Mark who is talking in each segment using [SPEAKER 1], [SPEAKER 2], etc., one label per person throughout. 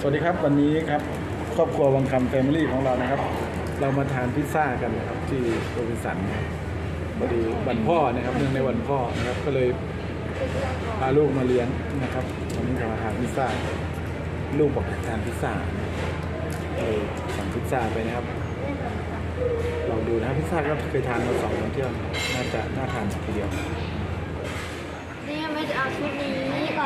[SPEAKER 1] สวัสดีครับวันนี้ครับครอบครัววังคำแฟมิลี่ของเรานะครับเรามาทานพิซซ่ากันนะครับที่โรบินสันพอดีวันพ่อนะครับเนื่องในวันพ่อนะครับก็เลยพาลูกมาเลี้ยงนะครับวันนี้จะมาทานพิซซ่าลูกบอกอยากทานพิซซ่าเลยสั่งพิซซ่าไปนะครับลองดูนะครับพิซซ่าก็เคยทานมา2 วันเที่ยวน่าทานทีเดียว
[SPEAKER 2] นี่ไม่จะเอาชุดนี้ก่อน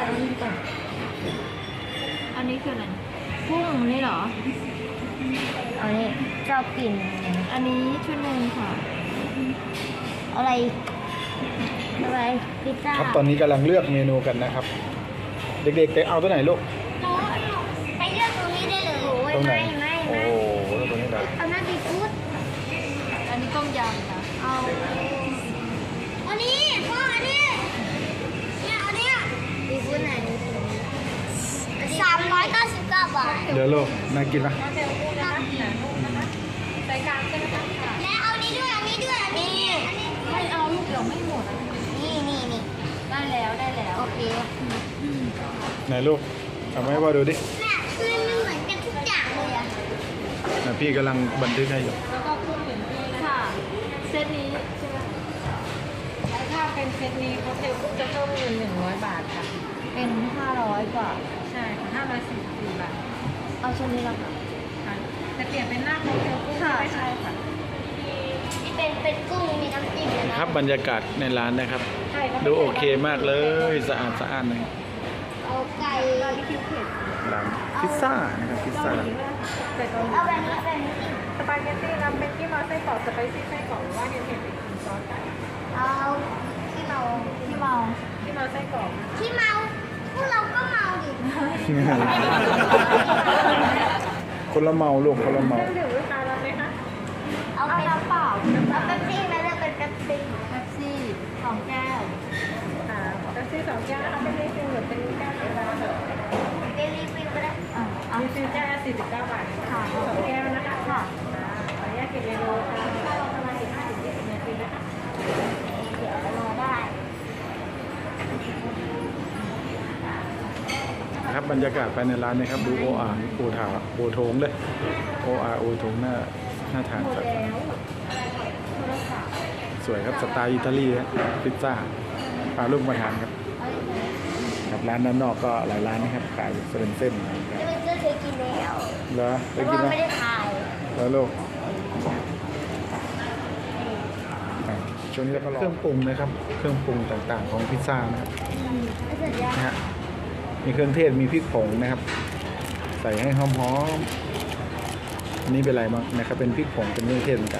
[SPEAKER 2] อันนี้คืออะไรกุ้งนี่เหรออันนี้ชอบกินอันนี้ชุดหนึ่งค่ะอะไรพิซซ่า
[SPEAKER 1] ครับตอนนี้กำลังเลือกเมนูกันนะครับเด็กๆไปเอาตัวไหนลูก
[SPEAKER 2] หนูไปเลือกตรงนี้ได้เลย
[SPEAKER 1] ตรงไหน
[SPEAKER 2] ไม่
[SPEAKER 1] โอ้โหตรงนี้ได้
[SPEAKER 2] เอาหน้าซีฟู้ดอันนี้ต้มยำค่ะเอาอันนี้พ่ออันนี้เนี่ยอันนี้ซีฟู้ดไหน399 บาท
[SPEAKER 1] เดี๋ยวลูกน่ากินปะ
[SPEAKER 2] ใส่กลางใช่ไหมคะและเอานี้ด้วยอันนี้ไม่เอาลูกเดี๋ยวไม่หมดนี่ได้แล้วโอเค
[SPEAKER 1] ไหนลูกทำให้พ่อดูดิ
[SPEAKER 2] แม่คือมันเหมือนกันทุกอย่างเลยอะ
[SPEAKER 1] พี่กำลังบันทึกให้อยู่
[SPEAKER 2] แล้วก็พูดถึงค่ะเซตนี้ใช่ไหมถ้าเป็นเซตนี้เขาจะเพิ่มเงิน100 บาทค่ะเป็น500 กว่าใช่544 บาทเอาชุดนี้แล้วค่ะจะเปลี่ยนเป็นหน้าโคเทลกุ้งใช่ค่ะเป็นกุ้งมีน้ำจิ้ม
[SPEAKER 1] ครับบรรยากาศในร้านนะครับดูโอเคมากเลยสะอาดเลย
[SPEAKER 2] เอาไก่ที่คิวเผ็ด
[SPEAKER 1] ร้านพิซซ่านะครับพิซซ่า
[SPEAKER 2] เอาแบบนี้สปาเกตตี้รับเป็นขี้เมาไส้กรอกสไปซี่ไส้กรอกหรือว่าเห็ดเป็นซอสเอาขี้เมาไส้กรอกขี้เมาพวกเราก็เมาดิ
[SPEAKER 1] คนละเมาลูกคนละเมา
[SPEAKER 2] ดื่มลูกค้ารับไหมคะเอาน้ำเปล่าเอาเป๊ปซี่ไหมเลือกเป็นเป๊ปซี่2 แก้วค่ะเป๊ปซี่2 แก้วนะคะเป็นรีฟิลหรือเป็นแก้วธรรมดาเป็นรีฟิลก็ได้รีฟิลแก้ว49 บาทค่ะ2 แก้วนะคะค่ะขออนุญาตเก็บเมนูค่ะประมาณ15-20 นาทีนะคะเดี๋ยวรอได้
[SPEAKER 1] ครับบรรยากาศภายในร้านนะครับดูโออาร์โอถาโอโถงเลยโออาร์โอโถงน่าทานจัดสวยครับสไตล์อิตาลีนะพิซซ่าพาลูกมาทานครับกับร้านด้านนอกก็หลายร้านนะครับขายเป็นเส้นนะครับ
[SPEAKER 2] เคยกินแล้ว
[SPEAKER 1] เหรอเคยกินนะ
[SPEAKER 2] ไม่ได้ขาย
[SPEAKER 1] แล้วลูกช่วงนี้เราก็เครื่องปรุงนะครับเครื่องปรุงต่างๆของพิซซ่านะครับนะฮะมีเครื่องเทศมีพริกผงนะครับใส่ให้หอมๆอันนี้เป็นอะไรบ้างนะครับเป็นพริกผงเป็นเครื่องเทศเหมือนกัน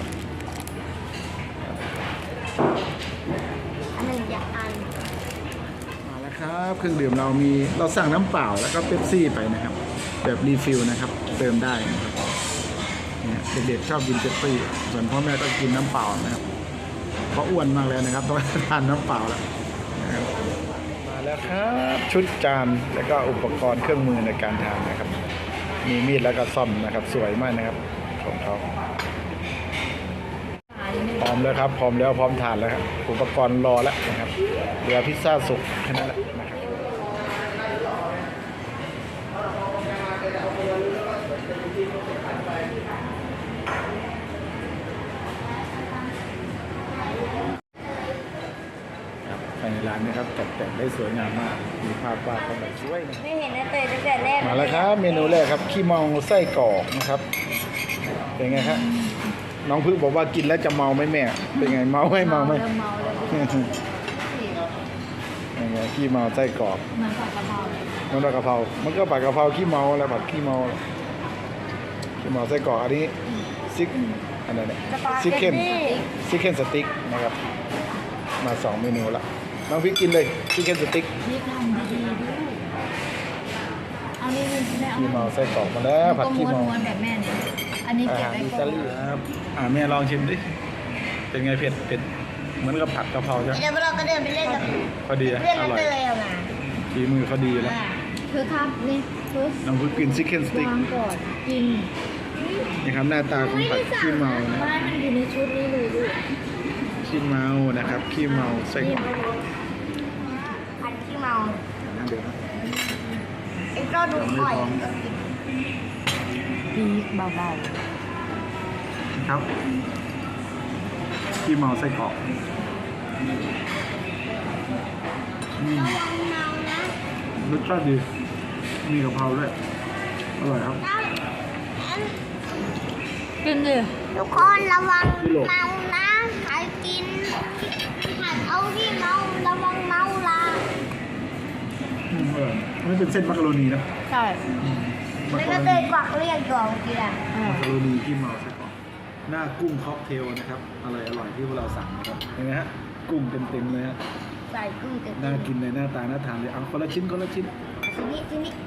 [SPEAKER 1] มาแล้วครับเครื่องดื่มเราสั่งน้ำเปล่าแล้วก็เป๊ปซี่ไปนะครับแบบรีฟิลนะครับเติมได้นะครับเนี่ยเด็กๆชอบกินเป๊ปซี่ส่วนพ่อแม่ก็กินน้ำเปล่านะครับเพราะอ้วนมากเลยนะครับต้องทานน้ำเปล่าแล้วนะครับแล้วครับชุดจานแล้วก็อุปกรณ์เครื่องมือในการทานนะครับมีมีดแล้วก็ซ่อมนะครับสวยมากนะครับของเขาพร้อมแล้วครับพร้อมแล้วพร้อมทานแล้วครับอุปกรณ์รอแล้วนะครับเหลือพิซซ่าสุกแค่นั้นแหละนะครับในร้านนะครับตกแต่งได้สวยงามมากมีภาพวาดแบบสวยนะ
[SPEAKER 2] ไม่เห็นนะตั้งแต่แรก
[SPEAKER 1] มาแล้วครับเมนูแรกครับขี้เมาไส้กรอกนะครับเป็นไงครับน้องพึ่งบอกว่ากินแล้วจะเมาไหมแม่เป็นไงเมาไหมเป็นไงขี้เมาไส้กรอก
[SPEAKER 2] มันผัดกะเพรา
[SPEAKER 1] มันผัดกะเพรามันก็ผัดกะเพราขี้เมาอะไรผัดขี้เมาไส้กรอกอันนี้อันนั้นเนี่ยซิกเก้นสติ๊กนะครับมา2 เมนูละน้องพี่กินเลยชิคเก้นสติ๊ก
[SPEAKER 2] นี่ทำดีด้วยเอานี่
[SPEAKER 1] ขี้เมาไส้กรอกมาแล้วผัดขี้เมา
[SPEAKER 2] แบบแม่เนี่ยอันนี้เก็บไว้ก่อน
[SPEAKER 1] ครับแม่ลองชิมดิเป็นไงเผ็ดเหมือนกับผัดกะเพราใช่ไหม
[SPEAKER 2] เดี๋ยวเราก็เดินไปเล่นกับ
[SPEAKER 1] พอดีอร่อยฝีมือเขาดีแล้ว
[SPEAKER 2] คือครับนี่คือ
[SPEAKER 1] น้องพี่กินชิคเก้นสติ๊ก
[SPEAKER 2] ก่อนกิน
[SPEAKER 1] นี่ครับหน้าตาของผัดขี้เมานะ
[SPEAKER 2] มันอยู่ในชุดนี้เลยด้วย
[SPEAKER 1] ขี้เมานะครับขี้เมาไส้กรอก
[SPEAKER 2] ผัดขี้เมา
[SPEAKER 1] เดี๋ยวนะ
[SPEAKER 2] ก็ดู
[SPEAKER 1] ไม่
[SPEAKER 2] ข่อย
[SPEAKER 1] ท้อง
[SPEAKER 2] ปีกเบา
[SPEAKER 1] ครับที่เมาไส้กรอกอืม
[SPEAKER 2] ๆระวังเมานะ
[SPEAKER 1] รสชาติดีมีกะเพราด้วยอร่อยครับ
[SPEAKER 2] กินดิทุกคนระวัง
[SPEAKER 1] พี่โล
[SPEAKER 2] เมานะใครกินหัดเอาที่เมาระวังเมาละ
[SPEAKER 1] อร่อยไม่เป็นเส้นมักกะโรนีนะ
[SPEAKER 2] ใช่
[SPEAKER 1] มัก
[SPEAKER 2] แล้ว
[SPEAKER 1] กะ
[SPEAKER 2] ก็
[SPEAKER 1] โร
[SPEAKER 2] เต
[SPEAKER 1] นี
[SPEAKER 2] ยกวักเรียกตัวเมื่อกี้อ่ะ
[SPEAKER 1] มักกะโรนีที่เมาไส้กรอกหน้ากุ้งค็อกเทลนะครับอร่อยที่พวกเราสั่งนะครับเห็นไหมฮะกุ้งเต็มๆเลยฮะ
[SPEAKER 2] ใส่กุ้งเต็ม
[SPEAKER 1] น่ากินเลยหน้าตาน่าทานเลยเอาคนละชิ้นคนละชิ้น
[SPEAKER 2] ทีนี้ทีนี้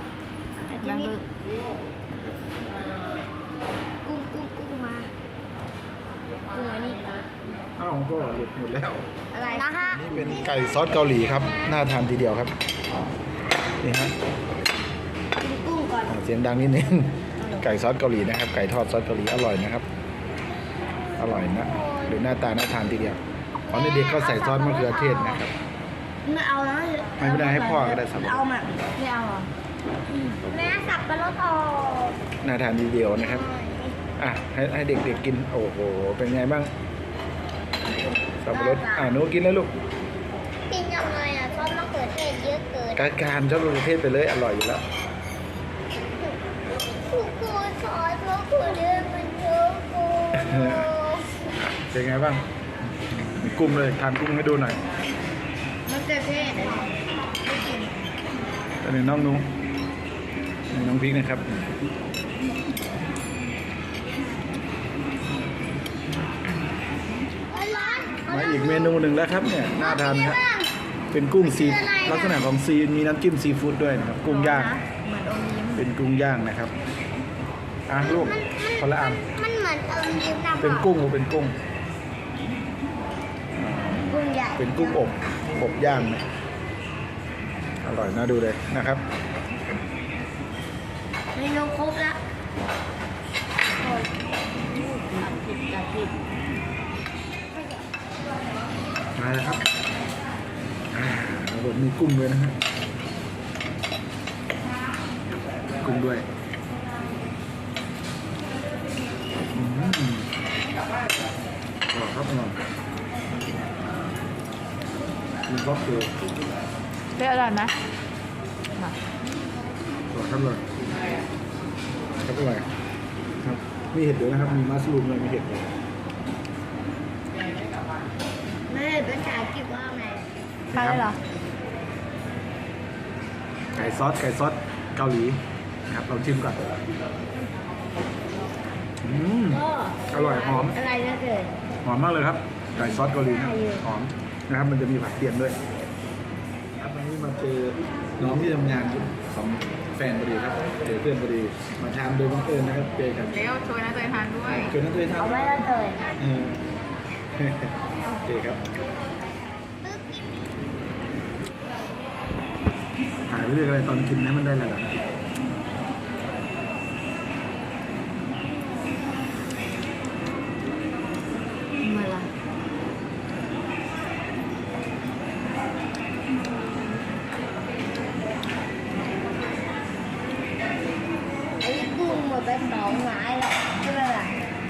[SPEAKER 2] กุ้งมากุ้งอันนี้
[SPEAKER 1] อ้าวก็หลุดหมดแล้ว
[SPEAKER 2] อะไรนะฮะ
[SPEAKER 1] นี่เป็นไก่ซอสเกาหลีครับน่าทานทีเดียวครับนี่ฮะ
[SPEAKER 2] กินกุ้งก่อน
[SPEAKER 1] เสียงดังนิดนึงไก่ซอสเกาหลีนะครับไก่ทอดซอสเกาหลีอร่อยนะครับอร่อยนะหรือหน้าตาน่าทานทีเดียวตอนเด็กๆก็ใส่ซอสมะเขือเทศนะครับ
[SPEAKER 2] ไม่เอานะ
[SPEAKER 1] ไม่ได้ให้พ่อก็ได้สับปะรด
[SPEAKER 2] เอามาไม่เอาเหรอแม่สับปะรดออก
[SPEAKER 1] น่าทานทีเดียวนะครับอ่ะให้เด็กๆกินโอ้โหเป็นไงบ้างสับปะรดหนูกินแล้วลูก
[SPEAKER 2] กินยังไงอ่ะชอบมะเขือเทศเยอะเกิน
[SPEAKER 1] การชอบมะเขือเทศไปเลยอร่อยอยู่แล้ว
[SPEAKER 2] ทุกคนซอสมะเขือเทศมันเยอะเกิน
[SPEAKER 1] เป็นไงบ้างมีกุ้งเลยทานกุ้งให้ดูหน่อย
[SPEAKER 2] มะเขือเทศไม่กิน
[SPEAKER 1] อันนี้น้องนุ้งนี่น้องพริกนะครับ
[SPEAKER 2] ร้อน
[SPEAKER 1] มาอีกเมนูหนึ่งแล้วครับเนี่ยน่าทานครับเป็นกุ้งซีลักษณะของซีมีน้ำจิ้มซีฟู้ดด้วยนะครับกุ้งย่าง
[SPEAKER 2] เหมือนอมยิ้ม
[SPEAKER 1] เป็นกุ้งย่างนะครับลูกคนละอัน
[SPEAKER 2] มันเหมือนอมยิ้มนะ
[SPEAKER 1] เป็นกุ้งหรือเป็นกุ้ง
[SPEAKER 2] กุ้งใหญ่
[SPEAKER 1] เป็นกุ้งอบย่างนะอร่อยน่าดูเลยนะครับ
[SPEAKER 2] เมนูครบแล้ว
[SPEAKER 1] มาแล้วครับมีกุ้งด้วยนะฮะกุ้งด้วยอร่อยครับอร่อยมีครอบครัว
[SPEAKER 2] เรียกอะไรไหม
[SPEAKER 1] อร่อยครับเลยครับอร่อยครับมีเห็ดด้วยนะครับมีมัสลูมเลยมีเห็ดเลย
[SPEAKER 2] ไม่ได้ภาษาอังกฤษว่าไง
[SPEAKER 1] ใช่เหรอไก่ซอสเกาหลีนะครับเราชิมก่อนอร่อยหอม
[SPEAKER 2] อะไรนะเกิด
[SPEAKER 1] หอมมากเลยครับไก่ซอสเกาหลีนะหอมนะครับมันจะมีผักเทียมด้วยครับวันนี้มาเจอน้องที่ทำงานของแฟนพอดีครับเจอเพื่อนพอดีมาทานโดยบังเอิญนะครับเจอกัน
[SPEAKER 3] เดี๋ยวชวนนะเตยทานด้วย
[SPEAKER 1] เกิดนักเรียนทาน
[SPEAKER 2] เอาไว้แล้วเกิด
[SPEAKER 1] โอเคครับถ่ายไปเรื่อยอะไรตอนกินนะมันได้ระดับ
[SPEAKER 2] มาละไอ้กุ้งหมดไปสองไม้แล้วใช่ไหมล่ะ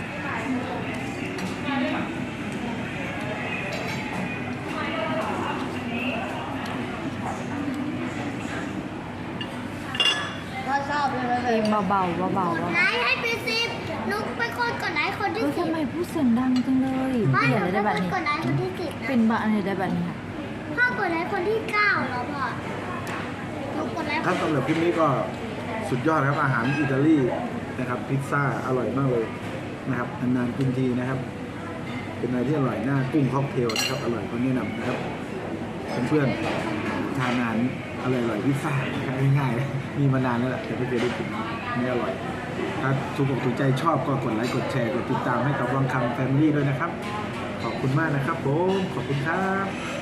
[SPEAKER 2] ก็ชอบเลยนะเลย
[SPEAKER 3] เบาๆเบาๆ
[SPEAKER 2] ไลค์ให้ไปสิบนุกเป็นคนกดไลค์คนที่
[SPEAKER 3] เฮ้ย
[SPEAKER 2] สิบ
[SPEAKER 3] ทำไมพูดเสียงดังจังเลย
[SPEAKER 2] พ่อ
[SPEAKER 3] เปลี่ยน
[SPEAKER 2] ห
[SPEAKER 3] อะ
[SPEAKER 2] นู
[SPEAKER 3] ไร
[SPEAKER 2] เป็
[SPEAKER 3] ได้
[SPEAKER 2] น
[SPEAKER 3] แบบนี้
[SPEAKER 2] คนกดไลค์คนที่สิบ
[SPEAKER 3] เป็นบ้าอะไรได้แบบนี้ค่ะ
[SPEAKER 2] พ่อกดไลค์คนที่เก้าแล้วพ่อนุกกดไลค์
[SPEAKER 1] ครับสำหรับคลิปนี้ก็สุดยอดครับอาหารอิตาลีนะครับพิซซ่าอร่อยมากเลยนะครับนานๆกินทีนะครับ เป็นอะไรที่อร่อยหน้ากุ้งค็อกเทลนะครับอร่อยก็แนะนำนะครับเพื่อนๆทานอาหารอร่อยๆพิซซ่านะครับง่ายๆมีมานานแล้วแหละแต่ไม่เคยได้กินนี่อร่อยถ้าถูกอกถูกใจชอบก็กดไลค์กดแชร์กดติดตามให้กับวังคำแฟมิลี่ด้วยนะครับขอบคุณมากนะครับผมขอบคุณครับ